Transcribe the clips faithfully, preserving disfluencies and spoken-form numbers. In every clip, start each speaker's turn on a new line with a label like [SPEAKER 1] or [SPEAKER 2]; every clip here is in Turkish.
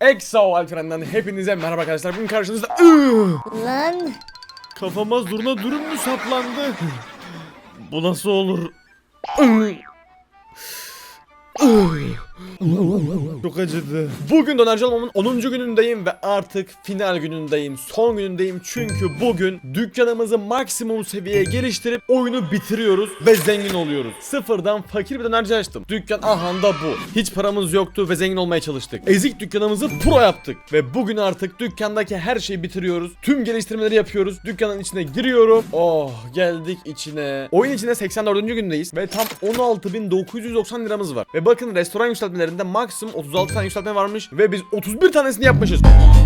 [SPEAKER 1] Exo Alperen'den hepinize merhaba arkadaşlar. Bugün karşınızda
[SPEAKER 2] Lan
[SPEAKER 1] kafama zurna dürüm mü saplandı? Bu nasıl olur? Çok acıdı. Bugün dönerci olmamın onuncu günündeyim ve artık final günündeyim. Son günündeyim çünkü bugün dükkanımızı maksimum seviyeye geliştirip oyunu bitiriyoruz ve zengin oluyoruz. Sıfırdan fakir bir dönerci açtım. Dükkan ahanda bu. Hiç paramız yoktu ve zengin olmaya çalıştık. Ezik dükkanımızı pro yaptık ve bugün artık dükkandaki her şeyi bitiriyoruz. Tüm geliştirmeleri yapıyoruz. Dükkanın içine giriyorum. Oh, geldik içine. Oyun içinde seksen dördüncü gündeyiz ve tam on altı bin dokuz yüz doksan liramız var. Ve bakın restoran yükseltmelerinde maksimum otuz altı tane yükseltme varmış ve biz otuz bir tanesini yapmışız.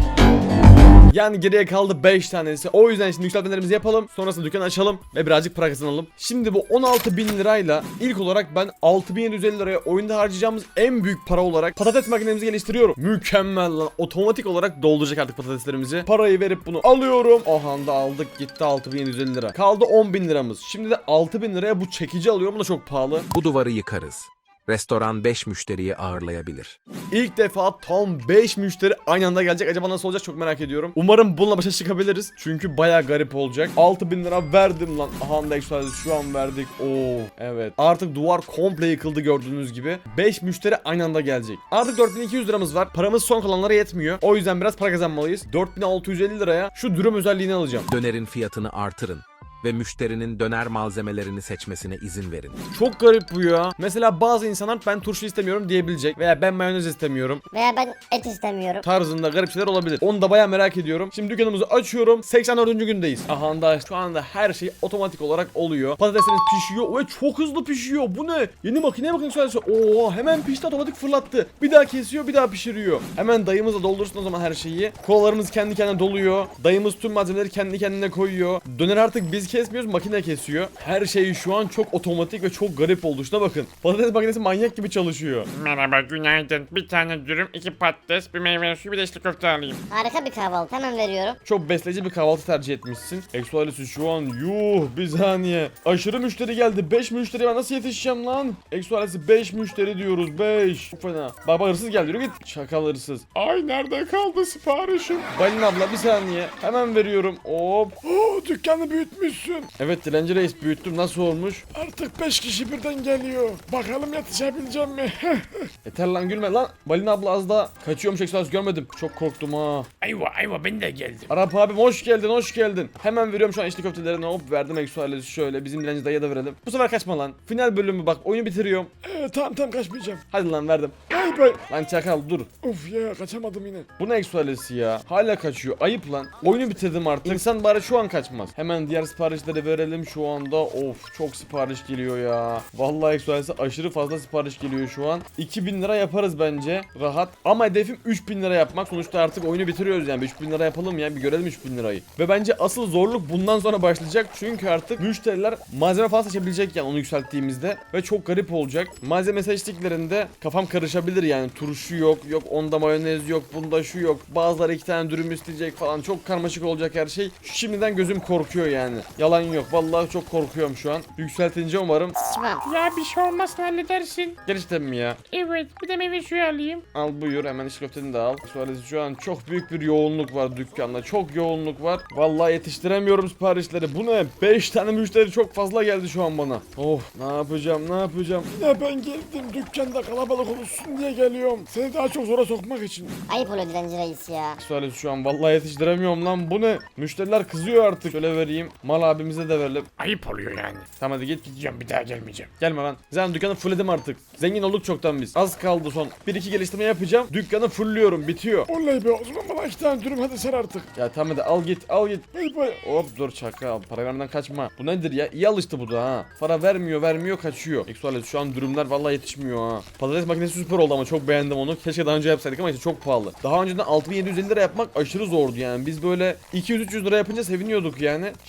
[SPEAKER 1] Yani geriye kaldı beş tanesi. O yüzden şimdi yükseltmelerimizi yapalım. Sonrasında dükkanı açalım ve birazcık para kazanalım. Şimdi bu on altı bin lirayla ilk olarak ben altı bin yedi yüz elli liraya oyunda harcayacağımız en büyük para olarak patates makinemizi geliştiriyorum. Mükemmel lan. Otomatik olarak dolduracak artık patateslerimizi. Parayı verip bunu alıyorum. Aha da aldık gitti altı bin yedi yüz elli lira. Kaldı on bin liramız. Şimdi de altı bin liraya bu çekici alıyorum. Bu da çok pahalı.
[SPEAKER 3] Bu duvarı yıkarız. Restoran beş müşteriyi ağırlayabilir.
[SPEAKER 1] İlk defa tam beş müşteri aynı anda gelecek. Acaba nasıl olacak çok merak ediyorum. Umarım bununla başa çıkabiliriz. Çünkü baya garip olacak. altı bin lira verdim lan. Aha da ekstralesi şu an verdik. Oo evet. Artık duvar komple yıkıldı gördüğünüz gibi. beş müşteri aynı anda gelecek. Artık dört bin iki yüz liramız var. Paramız son kalanlara yetmiyor. O yüzden biraz para kazanmalıyız. dört bin altı yüz elli liraya şu dürüm özelliğini alacağım.
[SPEAKER 3] Dönerin fiyatını artırın ve müşterinin döner malzemelerini seçmesine izin verin.
[SPEAKER 1] Çok garip bu ya. Mesela bazı insanlar ben turşu istemiyorum diyebilecek. Veya ben mayonez istemiyorum
[SPEAKER 2] veya ben et istemiyorum.
[SPEAKER 1] tarzında garip şeyler olabilir. Onu da baya merak ediyorum. Şimdi dükkanımızı açıyorum. seksen dördüncü gündeyiz. Aha da şu anda her şey otomatik olarak oluyor. Patateslerimiz pişiyor ve çok hızlı pişiyor. Bu ne? Yeni makineye bakın söylese. Oo hemen pişti, otomatik fırlattı. Bir daha kesiyor, bir daha pişiriyor. Hemen dayımızla doldursun o zaman her şeyi. Kolalarımız kendi kendine doluyor. Dayımız tüm malzemeleri kendi kendine koyuyor. Döner artık biz kesmiyoruz, makine kesiyor. Her şey şu an çok otomatik ve çok garip oldu. Şuna bakın. Patates makinesi manyak gibi çalışıyor.
[SPEAKER 4] Merhaba, günaydın. Bir tane dürüm, iki patates, bir meyve suyu, bir de içli köfte alayım.
[SPEAKER 2] Harika bir kahvaltı, hemen veriyorum.
[SPEAKER 1] Çok besleyici bir kahvaltı tercih etmişsin. Exo ailesi şu an yuh bir saniye. Aşırı müşteri geldi. beş müşteri, ben nasıl yetişeceğim lan? Exo ailesi beş müşteri diyoruz. beş. Çok fena. Baba hırsız geldi. Yürü git. Şakal hırsız.
[SPEAKER 4] Ay nerede kaldı siparişim?
[SPEAKER 1] Balin abla bir saniye. Hemen veriyorum. Hop.
[SPEAKER 4] Oo, dükkanı büyütmüşsün.
[SPEAKER 1] Evet dilenci reis, büyüttüm. Nasıl olmuş?
[SPEAKER 4] Artık beş kişi birden geliyor. Bakalım yetişebileceğim mi?
[SPEAKER 1] Yeter lan, gülme lan. Balin abla az daha kaçıyormuş, Exo ailesi görmedim. Çok korktum ha.
[SPEAKER 4] Ayva ayva, ben de geldim.
[SPEAKER 1] Arap abim hoş geldin, hoş geldin. Hemen veriyorum şu an içli köftelerini. Hop verdim Exo ailesi şöyle. Bizim dilenci dayıya da verelim. Bu sefer kaçma lan. Final bölümü bak, oyunu bitiriyorum.
[SPEAKER 4] Ee, tamam tamam, kaçmayacağım.
[SPEAKER 1] Hadi lan verdim.
[SPEAKER 4] Bay bay.
[SPEAKER 1] Lan çakal dur.
[SPEAKER 4] Of ya, kaçamadım yine.
[SPEAKER 1] Bu ne Exo ailesi ya? Hala kaçıyor. Ayıp lan. Oyunu bitirdim artık. İnsan bari şu an kaçmaz. Hemen diğer siparişleri verelim şu anda. Of çok sipariş geliyor ya. Vallahi Exo ailesi aşırı fazla sipariş geliyor şu an. iki bin lira yaparız bence. Rahat. Ama hedefim üç bin lira yapmak. Sonuçta artık oyunu bitiriyoruz yani. üç bin lira yapalım ya. Bir görelim üç bin lirayı. Ve bence asıl zorluk bundan sonra başlayacak. Çünkü artık müşteriler malzeme falan seçebilecek yani onu yükselttiğimizde. Ve çok garip olacak. Malzeme seçtiklerinde kafam karışabilir yani. Turşu yok. Yok onda mayonez yok. Bunda şu yok. Bazıları iki tane dürüm isteyecek falan. Çok karmaşık olacak her şey. Şimdiden gözüm korkuyor yani. Yalan yok. Vallahi çok korkuyorum şu an. Yükseltince umarım.
[SPEAKER 2] Sıçmam.
[SPEAKER 4] Ya bir şey olmazsa halledersin.
[SPEAKER 1] Gerçekten mi ya?
[SPEAKER 4] Evet, bir de meyve suyu alayım.
[SPEAKER 1] Al buyur, hemen iç köfteni de al. Suarez şu an çok büyük bir yoğunluk var dükkanda. Çok yoğunluk var. Vallahi yetiştiremiyorum siparişleri. Bu ne? beş tane müşteri çok fazla geldi şu an bana. Of, ne yapacağım? Ne yapacağım?
[SPEAKER 4] Yine ben geldim, dükkanda kalabalık olsun diye geliyorum. Seni daha çok zora sokmak için.
[SPEAKER 2] Ayıp oluyor dilenci reis ya.
[SPEAKER 1] Suarez şu an vallahi yetiştiremiyorum lan. Bu ne? Müşteriler kızıyor artık. Şöyle vereyim. Mal abimize de verelim.
[SPEAKER 4] Ayıp oluyor yani.
[SPEAKER 1] Tamam hadi git.
[SPEAKER 4] Gideceğim, bir daha gelmeyeceğim.
[SPEAKER 1] Gelme lan. Zaten dükkanı fullledim artık. Zengin olduk çoktan biz. Az kaldı son. bir iki geliştirme yapacağım. Dükkanı fullliyorum. Bitiyor.
[SPEAKER 4] Oley be, o zaman bana iki tane dürüm, hadi sen artık.
[SPEAKER 1] Ya tamam hadi al git, al git.
[SPEAKER 4] Bay bay.
[SPEAKER 1] Hop dur çakal, para vermeden kaçma. Bu nedir ya? İyi alıştı bu da ha. Para vermiyor vermiyor kaçıyor. Eksualet şu an dürümler vallahi yetişmiyor ha. Patates makinesi süper oldu ama çok beğendim onu. Keşke daha önce yapsaydık ama işte çok pahalı. Daha önceden altı bin yedi yüz elli lira yapmak aşırı zordu yani. Biz böyle iki yüz üç yüz lira yapınca seviniyorduk yani. Şimdi altı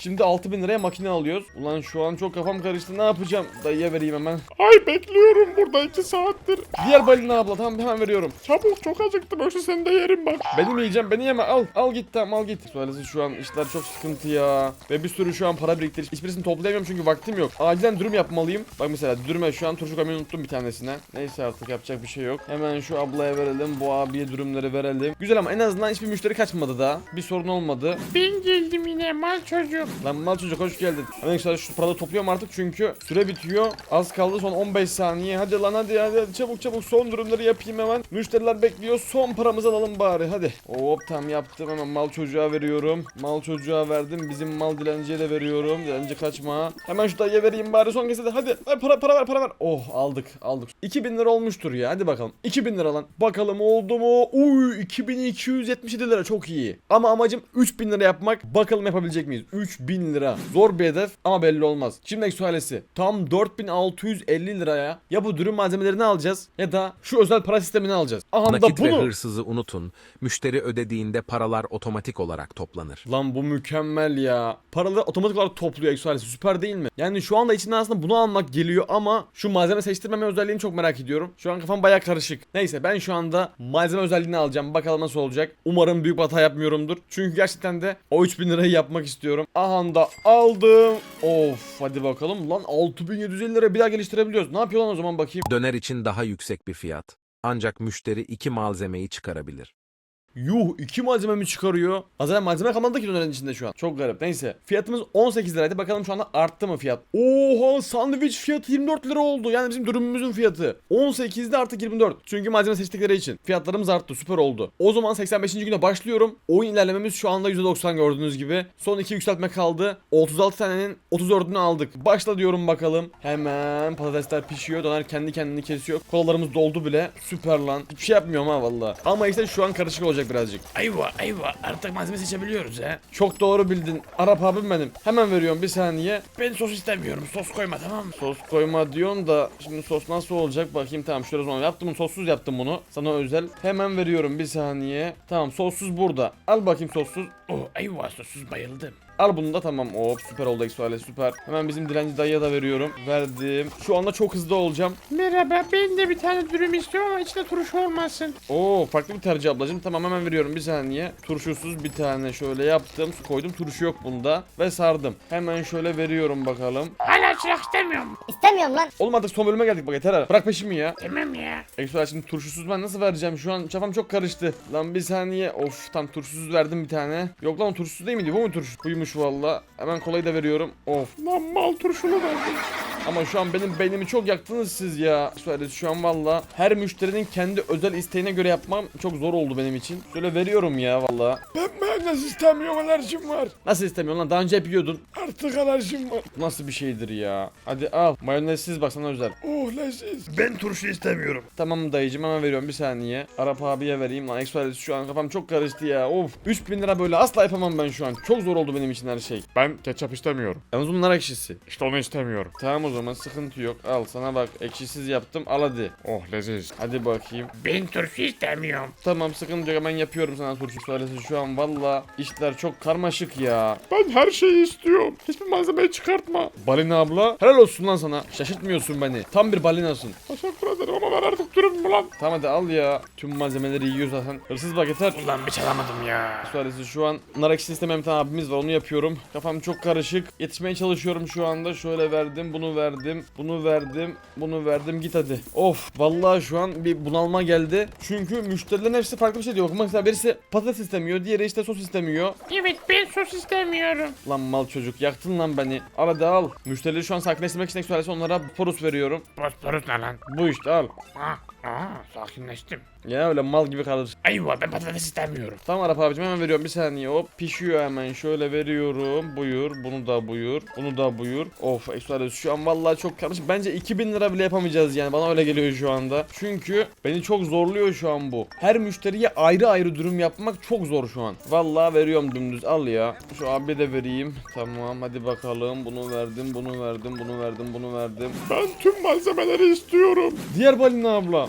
[SPEAKER 1] altı bin liraya makine alıyoruz. Ulan şu an çok kafam karıştı, ne yapacağım? Dayıya vereyim hemen.
[SPEAKER 4] Ay bekliyorum burada iki saattir.
[SPEAKER 1] Diğer balina abla, tamam hemen veriyorum.
[SPEAKER 4] Çabuk, çok acıktım, yoksa seni de yerim bak.
[SPEAKER 1] Benim yiyeceğim, beni yeme, al. Al git, tamam al git. Söylesi şu an işler çok sıkıntı ya. Ve bir sürü şu an para biriktir. Hiçbirisini toplayamıyorum çünkü vaktim yok. Acilen dürüm yapmalıyım. Bak mesela dürüme şu an turşu koymayı unuttum bir tanesine. Neyse artık yapacak bir şey yok. Hemen şu ablaya verelim. Bu abiye dürümleri verelim. Güzel ama en azından hiçbir müşteri kaçmadı daha. Bir sorun olmadı.
[SPEAKER 4] Ben geldim yine mal çocuk.
[SPEAKER 1] Lan mal çocuk hoş geldin. Hemen işte şu paraları topluyorum artık çünkü süre bitiyor. Az kaldı, son on beş saniye. Hadi lan hadi hadi, hadi. Çabuk çabuk son dürümleri yapayım hemen. Müşteriler bekliyor. Son paramızı alalım bari hadi. Hop tam yaptım, hemen mal çocuğa veriyorum. Mal çocuğa verdim. Bizim mal dilenciye de veriyorum. Dilenci kaçma. Hemen şu dayıya vereyim bari son kese de. Hadi. Hadi para para ver para ver. Oh aldık aldık. iki bin lira olmuştur ya. Hadi bakalım. iki bin lira lan. Bakalım oldu mu? Uy iki bin iki yüz yetmiş yedi lira çok iyi. Ama amacım üç bin lira yapmak. Bakalım yapabilecek miyiz? üç bin lira. Zor bir hedef ama belli olmaz. Şimdi sualesi. Tam dört bin altı yüz elli liraya ya bu dürüm malzemelerini alacağız ya da şu özel para sistemini alacağız. Aha da
[SPEAKER 3] Nakit ve
[SPEAKER 1] bunu.
[SPEAKER 3] hırsızı unutun. Müşteri ödediğinde paralar otomatik olarak toplanır.
[SPEAKER 1] Lan bu mükemmel ya. Paraları otomatik olarak topluyor Exoalesi. Süper değil mi? Yani şu anda içinden aslında bunu almak geliyor ama şu malzeme seçtirmeme özelliğini çok merak ediyorum. Şu an kafam baya karışık. Neyse ben şu anda malzeme özelliğini alacağım. Bakalım nasıl olacak. Umarım büyük bir hata yapmıyorumdur. Çünkü gerçekten de o üç bin lirayı yapmak istiyorum. Aha da aldım. Of hadi bakalım. Lan altı bin yedi yüz elli lira bir daha geliştirebiliyoruz. Ne yapıyor lan o zaman bakayım.
[SPEAKER 3] Döner için daha yüksek bir fiyat. Ancak müşteri iki malzemeyi çıkarabilir.
[SPEAKER 1] Yuh iki malzeme mi çıkarıyor? Zaten malzeme kalmadı ki dönerin içinde şu an. Çok garip. Neyse. Fiyatımız on sekiz liraydı. Bakalım şu anda arttı mı fiyat? Oha sandviç fiyatı yirmi dört lira oldu. Yani bizim dürümümüzün fiyatı. on sekizde artık yirmi dört. Çünkü malzeme seçtikleri için. Fiyatlarımız arttı. Süper oldu. O zaman seksen beşinci güne başlıyorum. Oyun ilerlememiz şu anda yüzde doksan gördüğünüz gibi. Son iki yükseltme kaldı. otuz altı tanenin otuz dördünü aldık. Başla diyorum bakalım. Hemen patatesler pişiyor. Döner kendi kendini kesiyor. Kolalarımız doldu bile. Süper lan. Hiçbir şey yapmıyorum ha valla. Ama işte şu an karışık olacak birazcık.
[SPEAKER 4] Ayva ayva, artık malzeme seçebiliyoruz he.
[SPEAKER 1] Çok doğru bildin. Arap abim benim. Hemen veriyorum bir saniye.
[SPEAKER 4] Ben sos istemiyorum, sos koyma tamam mı?
[SPEAKER 1] Sos koyma diyorsun da şimdi sos nasıl olacak bakayım. Tamam şöyle zaman yaptım bunu, sossuz yaptım bunu. Sana özel. Hemen veriyorum bir saniye. Tamam sossuz burada. Al bakayım sossuz.
[SPEAKER 4] Oh ayva, sossuz bayıldım.
[SPEAKER 1] Al bunu da, tamam. Hop süper oldu Exoale, süper. Hemen bizim dilenci dayıya da veriyorum. Verdim. Şu anda çok hızlı olacağım.
[SPEAKER 4] Merhaba, ben de bir tane dürüm istiyorum ama içinde turşu olmasın.
[SPEAKER 1] Oo farklı bir tercih ablacığım. Tamam hemen veriyorum bir saniye. Turşusuz bir tane şöyle yaptım. Su koydum. Turşu yok bunda. Ve sardım. Hemen şöyle veriyorum bakalım.
[SPEAKER 4] Hala çırak istemiyorum.
[SPEAKER 2] İstemiyorum lan.
[SPEAKER 1] Oğlum artık son bölüme geldik bak, yeter ha. Bırak peşimi ya.
[SPEAKER 4] Tamam ya.
[SPEAKER 1] Exoale şimdi turşusuz ben nasıl vereceğim? Şu an kafam çok karıştı. Lan bir saniye. Of tam turşusuz verdim bir tane. Yok lan o turşusuz değil miydi? Bu mu turşu? Buymuş valla. Hemen kolayı da veriyorum. Of.
[SPEAKER 4] Lan mal turşunu verdim.
[SPEAKER 1] Ama şu an benim beynimi çok yaktınız siz ya. Söyle şu an valla her müşterinin kendi özel isteğine göre yapmam çok zor oldu benim için. Şöyle veriyorum ya valla.
[SPEAKER 4] Ben mayonez istemiyorum, alerjim var.
[SPEAKER 1] Nasıl istemiyorsun lan? Daha önce hep yiyordun.
[SPEAKER 4] Artık alerjim var.
[SPEAKER 1] Bu nasıl bir şeydir ya? Hadi al. Mayonezsiz bak sana özel.
[SPEAKER 4] Oh leziz. Ben turşu istemiyorum.
[SPEAKER 1] Tamam dayıcım hemen veriyorum bir saniye. Arap abiye vereyim lan. Express şu an kafam çok karıştı ya. Of. üç bin lira böyle asla yapamam ben şu an. Çok zor oldu benim için her şey.
[SPEAKER 4] Ben ketçap istemiyorum.
[SPEAKER 1] Yalnız bunlar ekşisi.
[SPEAKER 4] İşte onu istemiyorum.
[SPEAKER 1] Tamam o zaman sıkıntı yok. Al sana bak ekşisiz yaptım. Al hadi.
[SPEAKER 4] Oh leziz.
[SPEAKER 1] Hadi bakayım.
[SPEAKER 4] Ben turşu istemiyorum.
[SPEAKER 1] Tamam sıkıntı yok, hemen yapıyorum sana turşu söylesi. Şu an valla işler çok karmaşık ya.
[SPEAKER 4] Ben her şeyi istiyorum. Hiçbir malzemeyi çıkartma.
[SPEAKER 1] Balina abla helal olsun lan sana. Şaşırtmıyorsun beni. Tam bir balinasın.
[SPEAKER 4] Teşekkür ederim ama ben artık dürüm mü lan?
[SPEAKER 1] Tamam hadi al ya. Tüm malzemeleri yiyor zaten. Hırsız bak yeter.
[SPEAKER 4] Ulan bir çalamadım ya.
[SPEAKER 1] Söylesi şu an nar ekşisi istemeyen bir tane abimiz var, onu yapıyorum. Kafam çok karışık. Yetişmeye çalışıyorum şu anda. Şöyle verdim, bunu verdim, bunu verdim, bunu verdim. Git hadi. Of vallahi şu an bir bunalma geldi. Çünkü müşterilerin hepsi farklı bir şey diyor. Mesela birisi patates istemiyor, diğeri işte sos istemiyor.
[SPEAKER 4] Evet, ben sos istemiyorum.
[SPEAKER 1] Lan mal çocuk yaktın lan beni. Al hadi al. Müşterileri şu an sakinleştirmek için söylese onlara porus veriyorum.
[SPEAKER 4] Bosporus ne lan?
[SPEAKER 1] Bu işte al.
[SPEAKER 4] Ah, ah, sakinleştim.
[SPEAKER 1] Ya öyle mal gibi kalır.
[SPEAKER 4] Ayva, ben patates istemiyorum.
[SPEAKER 1] Tamam Arap abicim hemen veriyorum bir saniye. Hop pişiyor hemen, şöyle veriyorum. Buyur, bunu da buyur, bunu da buyur. Of ekstra şu an vallahi çok karışık. Bence iki bin lira bile yapamayacağız yani, bana öyle geliyor şu anda. Çünkü beni çok zorluyor şu an bu. Her müşteriye ayrı ayrı dürüm yapmak çok zor şu an. Vallahi veriyorum dümdüz, al ya. Şu abi de vereyim. Tamam hadi bakalım. Bunu verdim, bunu verdim, bunu verdim, bunu verdim.
[SPEAKER 4] Ben tüm malzemeleri istiyorum.
[SPEAKER 1] Diğer balina abla.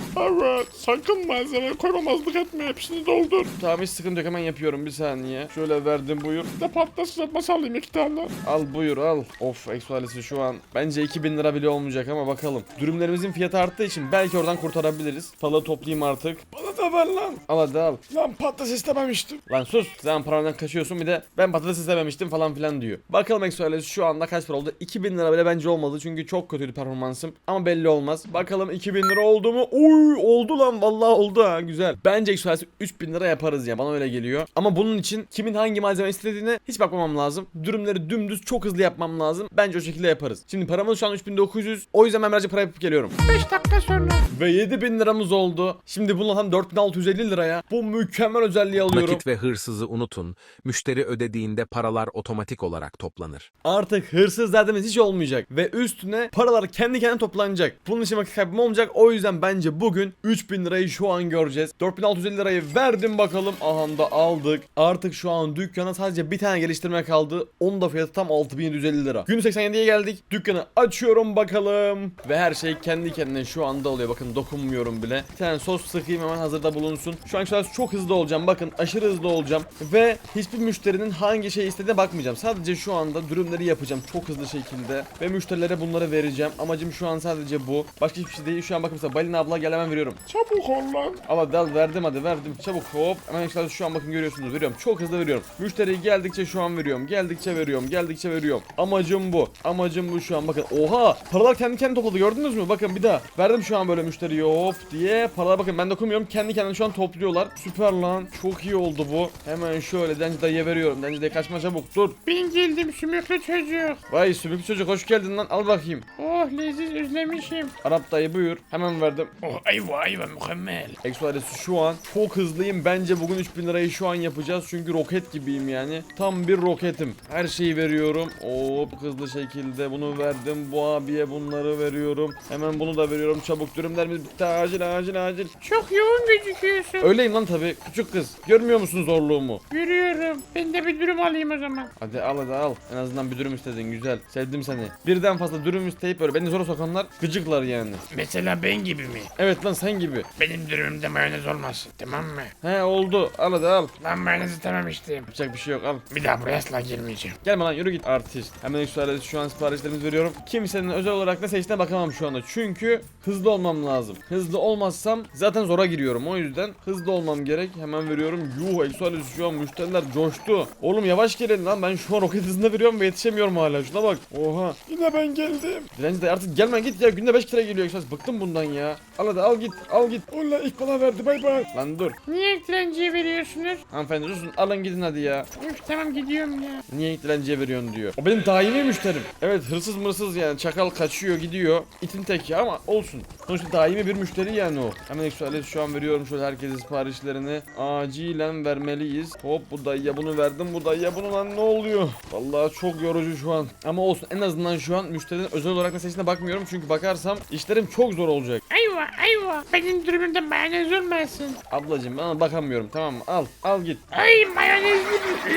[SPEAKER 4] Evet. Sakın malzeme koymamazlık etme. Hepsini doldur.
[SPEAKER 1] Tamam hiç sıkıntı yok, hemen yapıyorum, bir saniye. Şöyle verdim, buyur.
[SPEAKER 4] Bir de patates kızartması alayım iki tane.
[SPEAKER 1] Al buyur al. Of eksualesi şu an bence iki bin lira bile olmayacak ama bakalım. Dürümlerimizin fiyatı arttığı için belki oradan kurtarabiliriz. Palı toplayayım artık.
[SPEAKER 4] Bana da ver lan.
[SPEAKER 1] Al hadi al.
[SPEAKER 4] Lan patates istememiştim.
[SPEAKER 1] Lan sus, sen parandan kaçıyorsun, bir de ben patates istememiştim falan filan diyor. Bakalım eksualesi şu anda kaç para oldu? iki bin lira bile bence olmadı çünkü çok kötüydü performansım. Ama belli olmaz. Bakalım iki bin lira oldu mu? Oy oldu lan, vallahi oldu ha, güzel. Bence eksualesi üç bin lira yaparız ya, bana öyle geliyor. Ama bunun için kimin hangi malzeme istediğine hiç bakmamam lazım. Dürümleri dümdüz çok hızlı yapmam lazım. Bence o şekilde yaparız. Şimdi paramız şu an üç bin dokuz yüz. O yüzden ben birazcık para yapıp geliyorum.
[SPEAKER 4] beş dakika sonra.
[SPEAKER 1] Ve yedi bin liramız oldu. Şimdi bununla tam dört bin altı yüz elli liraya bu mükemmel özelliği alıyorum.
[SPEAKER 3] Nakit ve hırsızı unutun. Müşteri ödediğinde paralar otomatik olarak toplanır.
[SPEAKER 1] Artık hırsız derdimiz hiç olmayacak. Ve üstüne paralar kendi kendine toplanacak. Bunun için vakit kaybım olmayacak. O yüzden bence bugün üç bin lirayı şu an göreceğiz. dört bin altı yüz elli lirayı verdim bakalım. Aha da aldık. Artık şu an dükkana sadece bir tane geliştirme kaldı. Onun da fiyatı tam altı bin yedi yüz elli lira. Gün seksen yediye geldik. Dükkanı açıyorum bakalım. Ve her şey kendi kendine şu anda oluyor. Bakın dokunmuyorum bile. Bir tane sos sıkayım, hemen hazırda bulunsun. Şu an şöyle çok hızlı olacağım. Bakın aşırı hızlı olacağım. Ve hiçbir müşterinin hangi şey istediğine bakmayacağım. Sadece şu anda dürümleri yapacağım çok hızlı şekilde. Ve müşterilere bunları vereceğim. Amacım şu an sadece bu. Başka hiçbir şey değil. Şu an bakın mesela Balina abla gel, hemen veriyorum.
[SPEAKER 4] Çabuk ol lan.
[SPEAKER 1] Al hadi al, verdim hadi verdim. Çabuk hop. Hemen işte şu an bakın görüyorsunuz, veriyorum. Çok hızlı veriyorum. Müşteri geldikçe şu an veriyorum. Geldikçe veriyorum. Geldikçe veriyorum. Amacım bu. Amacım bu şu an bakın. Oha! Paralar kendi kendine topladı, gördünüz mü? Bakın bir daha. Verdim şu an böyle müşteriye hop diye. Paralar bakın ben dokunmuyorum. Kendi kendine şu an topluyorlar. Süper lan. Çok iyi oldu bu. Hemen şöyle Denci dayıya veriyorum. Denci dayı kaçma çabuk, dur.
[SPEAKER 4] Ben geldim sümüklü çocuk.
[SPEAKER 1] Vay sümüklü çocuk, hoş geldin lan. Al bakayım.
[SPEAKER 4] Oh leziz özlemişim.
[SPEAKER 1] Arap dayı buyur. Hemen verdim.
[SPEAKER 4] Oh ayva ayva mükemmel.
[SPEAKER 1] Eksualesi şu an çok hızlıyım. Bence bugün üç bin lirayı şu an yapacağız. Çünkü roket gibiyim yani. Tam bir roketim. Her şeyi veriyorum. Hop hızlı şekilde bunu verdim. Bu abiye bunları veriyorum. Hemen bunu da veriyorum. Çabuk, dürümlerimiz bitti. Acil acil acil.
[SPEAKER 4] Çok yoğun gözüküyorsun.
[SPEAKER 1] Öyleyim lan tabi. Küçük kız. Görmüyor musun zorluğumu?
[SPEAKER 4] Görüyorum. Ben de bir dürüm alayım o zaman.
[SPEAKER 1] Hadi al hadi al. En azından bir dürüm istedin. Güzel. Sevdim seni. Birden fazla dürüm isteyip böyle beni zora sokanlar gıcıklar yani.
[SPEAKER 4] Mesela ben gibi mi?
[SPEAKER 1] Evet lan sen gibi.
[SPEAKER 4] Benim dürümümde mayonez olmasın, tamam mı?
[SPEAKER 1] He oldu. Al hadi al.
[SPEAKER 4] Ben mayonez istememiştim.
[SPEAKER 1] Yapacak bir şey yok, al.
[SPEAKER 4] Bir daha buraya asla girmeyeceğim.
[SPEAKER 1] Gelme lan, yürü git artist. Hemen eksualesi şu an siparişlerimizi veriyorum. Kimsenin özel olarak ne seçtiğine bakamam şu anda. Çünkü hızlı olmam lazım. Hızlı olmazsam zaten zora giriyorum. O yüzden hızlı olmam gerek. Hemen veriyorum. Yuh eksualesi şu an müşteriler coştu. Oğlum yavaş gelin lan. Ben şu an roket hızında veriyorum ve yetişemiyorum hala. Şuna bak. Oha.
[SPEAKER 4] Yine ben geldim.
[SPEAKER 1] Dilenci de artık gelme git ya. Günde beş kere geliyor eksualesi. Bıktım bundan ya. Al hadi al git. Al git.
[SPEAKER 4] Ola ilk bana verdi, bay bay.
[SPEAKER 1] Lan dur.
[SPEAKER 4] Niye dilenciye veriyorsunuz?
[SPEAKER 1] Hanımefendi susun. Alın gidin hadi ya.
[SPEAKER 4] Üf tamam gidiyorum ya.
[SPEAKER 1] Niye dilenciye veriyorsun diyor. O benim daimi müşterim. Evet hırsız mırsız yani. Çakal kaçıyor gidiyor. İtin teki ama olsun. Sonuçta daimi bir müşteri yani o. Hemen eksualesi şu an veriyorum şöyle herkese siparişlerini. Acilen vermeliyiz. Hop bu dayıya bunu verdim. Bu dayıya bunu, lan ne oluyor? Vallahi çok yorucu şu an. Ama olsun en azından şu an müşterinin özel olarak meselesine bakmıyorum. Çünkü bakarsam işlerim çok zor olacak.
[SPEAKER 4] Ayva ayva. Benim dürümümde mayonez olmasın.
[SPEAKER 1] Ablacım ben bakamıyorum, tamam mı? Al al git.
[SPEAKER 4] Ay mayonezli.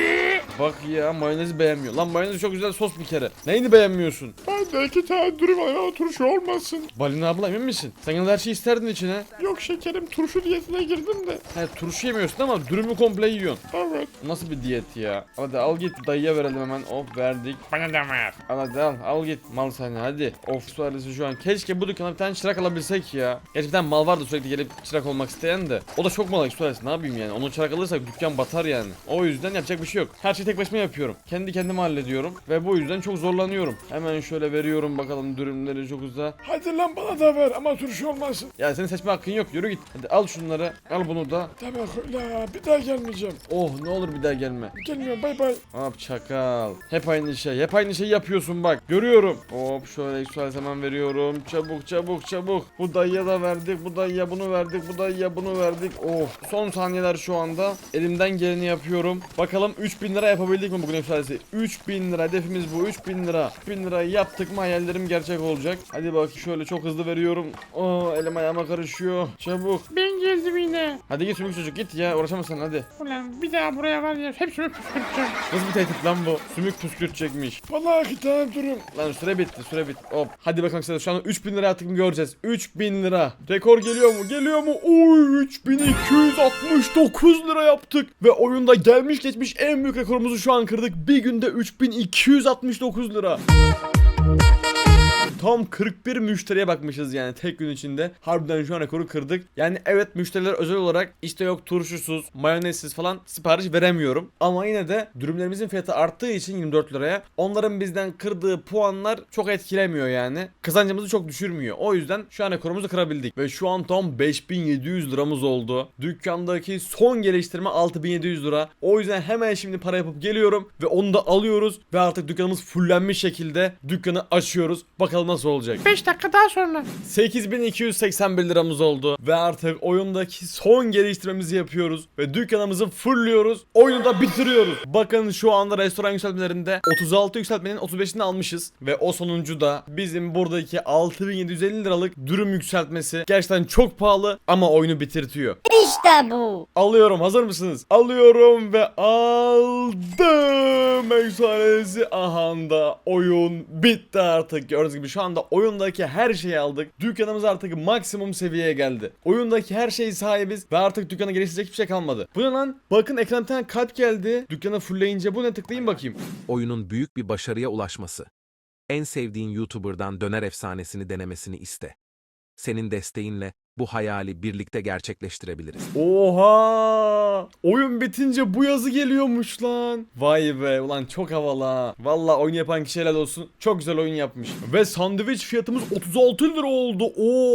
[SPEAKER 1] Bak ya mayonezi beğenmiyor. Lan mayonezi çok güzel sos bir kere. Neyini beğenmiyorsun?
[SPEAKER 4] Ben de iki tane dürüm ayva turşu olmasın.
[SPEAKER 1] Balina abla emin misin? Sen yine her şeyi isterdin içine.
[SPEAKER 4] Yok şekerim, turşu diyetine girdim de.
[SPEAKER 1] He turşu yemiyorsun ama dürümü komple yiyorsun.
[SPEAKER 4] Evet.
[SPEAKER 1] Nasıl bir diyet ya? Hadi al git dayıya verelim hemen. Hop verdik.
[SPEAKER 4] Bana da ver.
[SPEAKER 1] Al hadi al. Al git mal seni hadi. Of sualesi şu an. Keşke bu dükkana bir tane çırak alabilsek ya. Gerçi bir tane mal vardı sürekli gelip çırak olmak isteyen de. O da çok mal sualesi, ne yapayım yani. Onu çırak alırsak dükkan batar yani. O yüzden yapacak bir şey yok. Her şeyi tek başıma yapıyorum. Kendi kendime hallediyorum. Ve bu yüzden çok zorlanıyorum. Hemen şöyle veriyorum bakalım dürümleri çok uza.
[SPEAKER 4] Hadi lan bana da ver ama turşu olmasın.
[SPEAKER 1] Ya senin seçme hakkın yok. Yürü git. Hadi al şunları. Al bunu da.
[SPEAKER 4] Tamam öyle, bir daha gelmeyeceğim.
[SPEAKER 1] Oh ne olur bir daha gelme.
[SPEAKER 4] Gelmiyorum, bay bay.
[SPEAKER 1] Hop çakal. Hep aynı şey. Hep aynı şeyi yapıyorsun bak. Görüyorum. Hop şöyle eksualesi hemen veriyorum. Çabuk çabuk çabuk. Bu dayıya da verdik. Bu dayıya bunu verdik. Bu dayıya bunu verdik. Oh. Son saniyeler şu anda. anda elimden geleni yapıyorum. Bakalım üç bin lira yapabildik mi bugün yükselsi? üç bin lira hedefimiz bu. üç bin lira. üç bin lirayı yaptık mı hayallerim gerçek olacak. Hadi bak şöyle çok hızlı veriyorum. Oh, elim ayağıma karışıyor. Çabuk.
[SPEAKER 5] Ben geldim yine.
[SPEAKER 1] Hadi git sümük çocuk git ya, uğraşamazsın hadi.
[SPEAKER 5] Ulan bir daha buraya var ya hepsini püskürteceğim.
[SPEAKER 1] Nasıl bir tehdit lan bu? Sümük püskürtecekmiş.
[SPEAKER 4] Bana iki tane durun.
[SPEAKER 1] Lan süre bitti süre bitti. Hop. Hadi bakalım arkadaşlar, şu an üç bin lira attık mı göreceğiz. üç bin lira. Rekor geliyor mu? Geliyor mu? Oy, üç bin iki yüz altmış dokuz lira yaptık. Ve oyunda gelmiş geçmiş en büyük rekorumuzu şu an kırdık. Bir günde üç bin iki yüz altmış dokuz lira. Tam kırk bir müşteriye bakmışız yani tek gün içinde. Harbiden şu an rekoru kırdık. Yani evet, müşteriler özel olarak işte yok turşusuz, mayonezsiz falan sipariş veremiyorum. Ama yine de dürümlerimizin fiyatı arttığı için yirmi dört liraya onların bizden kırdığı puanlar çok etkilemiyor yani. Kazancımızı çok düşürmüyor. O yüzden şu an rekorumuzu kırabildik. Ve şu an tam beş bin yedi yüz liramız oldu. Dükkandaki son geliştirme altı bin yedi yüz lira. O yüzden hemen şimdi para yapıp geliyorum ve onu da alıyoruz. Ve artık dükkanımız fullenmiş şekilde dükkanı açıyoruz. Bakalım nasıl olacak.
[SPEAKER 5] beş dakika daha sonra.
[SPEAKER 1] sekiz bin iki yüz seksen bir liramız oldu ve artık oyundaki son geliştirmemizi yapıyoruz ve dükkanımızı fullüyoruz. Oyunu da bitiriyoruz. Bakın şu anda restoran yükseltmelerinde otuz altı yükseltmenin otuz beşini almışız ve o sonuncu da bizim buradaki altı bin yedi yüz elli liralık dürüm yükseltmesi. Gerçekten çok pahalı ama oyunu bitirtiyor.
[SPEAKER 2] İşte bu.
[SPEAKER 1] Alıyorum, hazır mısınız? Alıyorum ve aldım. Efsanesi ahanda oyun bitti artık. Gördüğünüz gibi şu anda oyundaki her şeyi aldık. Dükkanımız artık maksimum seviyeye geldi. Oyundaki her şeyi sahibiz ve artık dükkanı geliştirecek hiçbir şey kalmadı. Bu ne lan? Bakın ekrana bir tane kalp geldi. Dükkanı fullleyince bu ne, tıklayayım bakayım.
[SPEAKER 3] Oyunun büyük bir başarıya ulaşması. En sevdiğin YouTuber'dan döner efsanesini denemesini iste. Senin desteğinle bu hayali birlikte gerçekleştirebiliriz.
[SPEAKER 1] Oha! Oyun bitince bu yazı geliyormuş lan. Vay be, ulan çok havalı ha. Valla oyun yapan kişi helal olsun. Çok güzel oyun yapmış. Ve sandviç fiyatımız otuz altı lira oldu.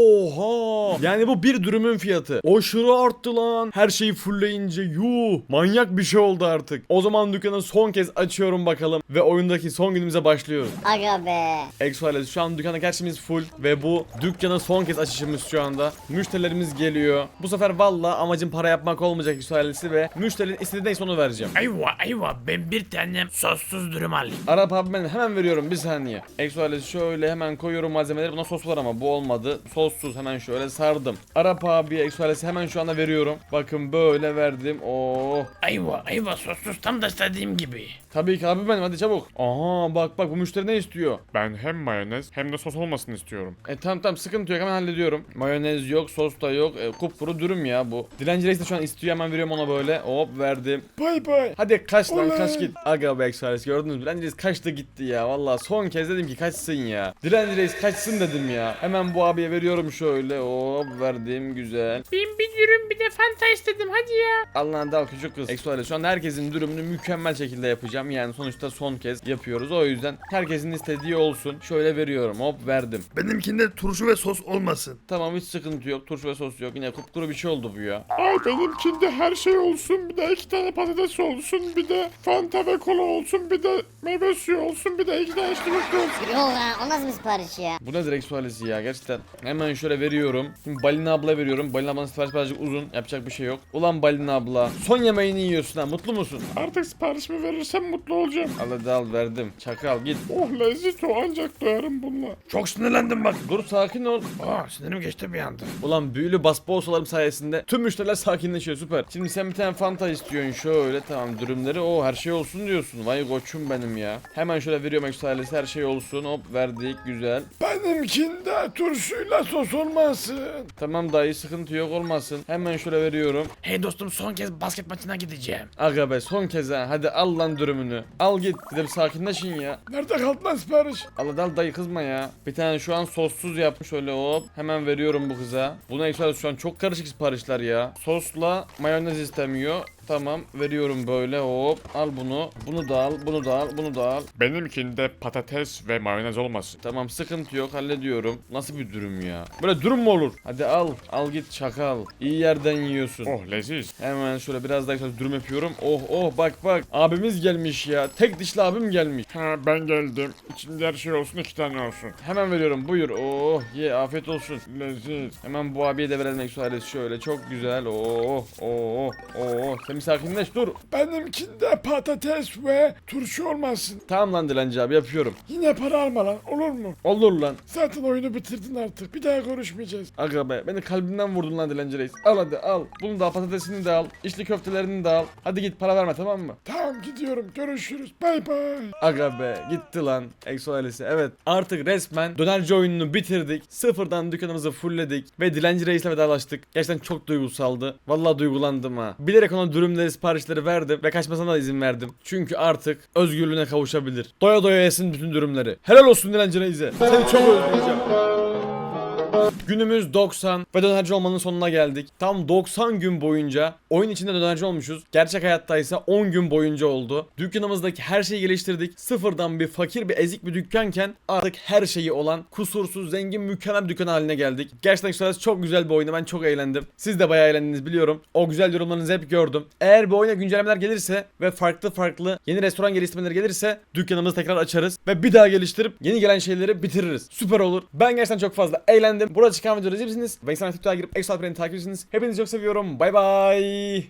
[SPEAKER 1] Oha! Yani bu bir dürümün fiyatı. Aşırı arttı lan. Her şeyi fullleyince yuh. Manyak bir şey oldu artık. O zaman dükkanı son kez açıyorum bakalım. Ve oyundaki son günümüze başlıyoruz.
[SPEAKER 2] Aga be.
[SPEAKER 1] Exoales, şu an dükkanda gerçimiz full. Ve bu dükkana son kez açışımız şu anda. Müşterilerimiz geliyor. Bu sefer valla amacım para yapmak olmayacak Exoales'i ve müşterinin istediği neyse onu vereceğim.
[SPEAKER 5] Ayva ayva ben bir tane sossuz dürüm alayım.
[SPEAKER 1] Arap abi, ben hemen veriyorum, bir saniye. Exoales şöyle hemen koyuyorum malzemeleri. Buna sos var ama bu olmadı. Sossuz hemen şöyle sardım. Arap abi Exoales'i hemen şu anda veriyorum. Bakın böyle verdim. Oo.
[SPEAKER 5] Ayva ayva sossuz tam da istediğim gibi.
[SPEAKER 1] Tabii ki abi benim, hadi çabuk. Aha bak bak, bu müşteri ne istiyor?
[SPEAKER 4] Ben hem mayonez hem de sos olmasını istiyorum.
[SPEAKER 1] E tamam tamam, sıkıntı yok, hemen hallediyorum. Mayonez yok, sos da yok. E, kupkuru dürüm ya bu. Dilenci reis de şu an istiyor, hemen veriyorum ona böyle. Hop verdim.
[SPEAKER 4] Bay bay.
[SPEAKER 1] Hadi kaç lan,
[SPEAKER 4] Oley.
[SPEAKER 1] kaç git. Aga be Exoales, gördünüz mü? Dilenci reis kaçtı gitti ya. Vallahi son kez dedim ki kaçsın ya. Dilenci reis kaçsın dedim ya. Hemen bu abiye veriyorum şöyle. Hop verdim, güzel.
[SPEAKER 5] Ben bir dürüm bir de fanta istedim hadi ya.
[SPEAKER 1] Allah'ın dal küçük kız. Exoales, şu anda herkesin dürümünü mükemmel şekilde yapacağım. Yani sonuçta son kez yapıyoruz. O yüzden herkesin istediği olsun. Şöyle veriyorum. Hop verdim.
[SPEAKER 6] Benimkinde turşu ve sos olmasın.
[SPEAKER 1] Tamam, hiç sıkıntı yok. Turşu ve sos yok. Yine kupkuru bir şey oldu bu ya.
[SPEAKER 4] Ay benimkinde her şey olsun. Bir de iki tane patates olsun. Bir de fanta ve kola olsun. Bir de meyve suyu olsun. Bir de iki tane içli köfte olsun.
[SPEAKER 2] Yok ha, o nasıl bir sipariş ya?
[SPEAKER 1] Bu ne direkt sualesi ya gerçekten. Hemen şöyle veriyorum. Şimdi Balina abla veriyorum. Balina ablanın sipariş birazcık uzun. Yapacak bir şey yok. Ulan Balina abla. Son yemeğini yiyorsun ha. Mutlu musun?
[SPEAKER 4] Artık siparişimi verirsem mutlu olacağım.
[SPEAKER 1] Al hadi al, verdim. Çakal git.
[SPEAKER 4] Oh lezzet o, ancak doyarım bununla.
[SPEAKER 6] Çok sinirlendim bak.
[SPEAKER 1] Dur sakin ol.
[SPEAKER 5] Aa sinirim geçti bir anda.
[SPEAKER 1] Ulan büyülü basboğalarım sayesinde tüm müşteriler sakinleşiyor, süper. Şimdi sen bir tane fanta istiyorsun şöyle, tamam dürümleri o her şey olsun diyorsun. Vay koçum benim ya. Hemen şöyle veriyorum ekstralesi, her şey olsun, hop verdik, güzel.
[SPEAKER 4] Benimkinde turşuyla sos olmasın.
[SPEAKER 1] Tamam dayı, sıkıntı yok, olmasın. Hemen şöyle veriyorum.
[SPEAKER 5] Hey dostum son kez basket maçına gideceğim.
[SPEAKER 1] Aga be, son kez ha, hadi al lan dürümünü. Al git, bir de bir sakinleşin ya.
[SPEAKER 4] Nerede kaldı lan sipariş?
[SPEAKER 1] Al hadi al dayı, kızma ya. Bir tane şu an sossuz yapmış, şöyle hop. Hemen veriyorum bu kıza. Buna ekstralesi şu an çok karışık siparişler ya. Sosla mayonez istemiyor. Tamam veriyorum böyle hop. Al bunu. Bunu da al. Bunu da al. Bunu da al.
[SPEAKER 4] Benimkinde patates ve mayonez olmasın.
[SPEAKER 1] Tamam sıkıntı yok hallediyorum. Nasıl bir dürüm ya? Böyle dürüm mü olur? Hadi al. Al git çakal. İyi yerden yiyorsun.
[SPEAKER 4] Oh leziz.
[SPEAKER 1] Hemen şöyle biraz daha güzel dürüm yapıyorum. Oh oh bak bak. Abimiz gelmiş ya. Tek dişli abim gelmiş.
[SPEAKER 4] Ha ben geldim. İçinde her şey olsun iki tane olsun.
[SPEAKER 1] Hemen veriyorum buyur. Oh ye afiyet olsun.
[SPEAKER 4] Leziz.
[SPEAKER 1] Hemen bu abiye de verelim eksu ailesi şöyle. Çok güzel. Oh oh oh. Sen bir sakinleş dur.
[SPEAKER 4] Benimkinde patates ve turşu olmasın.
[SPEAKER 1] Tamam lan dilenci abi yapıyorum.
[SPEAKER 4] Yine para alma lan olur mu?
[SPEAKER 1] Olur lan.
[SPEAKER 4] Zaten oyunu bitirdin artık. Bir daha görüşmeyeceğiz.
[SPEAKER 1] Aga be beni kalbimden vurdun lan dilenci reis. Al hadi al. Bunu da al, patatesini de al. İçli köftelerini de al. Hadi git para verme tamam mı?
[SPEAKER 4] Tamam gidiyorum. Görüşürüz. Bay bay.
[SPEAKER 1] Aga be gitti lan Exo ailesi. Evet artık resmen dönerci oyununu bitirdik. Sıfırdan dükkanımızı fullledik. Ve dilenci reisle vedalaştık. Gerçekten çok duygusaldı. Vallahi duygulandım ha. Bilerek ona dürümleri siparişleri verdim. Ve kaçmasına da izin verdim. Çünkü artık özgürlüğüne kavuşabilir. Doya doya yesin bütün dürümleri. Helal olsun dilenci reise. Seni çok özleyeceğim. Günümüz doksan ve dönerci olmanın sonuna geldik. Tam doksan gün boyunca oyun içinde dönerci olmuşuz. Gerçek hayatta ise on gün boyunca oldu. Dükkanımızdaki her şeyi geliştirdik. Sıfırdan bir fakir bir ezik bir dükkanken artık her şeyi olan kusursuz zengin mükemmel bir dükkan haline geldik. Gerçekten şurası çok güzel bir oyunu. Ben çok eğlendim. Siz de bayağı eğlendiniz biliyorum. O güzel yorumlarınızı hep gördüm. Eğer bu oyuna güncellemeler gelirse ve farklı farklı yeni restoran geliştirmeleri gelirse dükkanımızı tekrar açarız ve bir daha geliştirip yeni gelen şeyleri bitiririz. Süper olur. Ben gerçekten çok fazla eğlendim. Burada çıkan videoları izleyebilirsiniz. Ben sana TikTok'a girip Exo Alperen'i takip ediyorsunuz. Hepinizi çok seviyorum. Bay bay.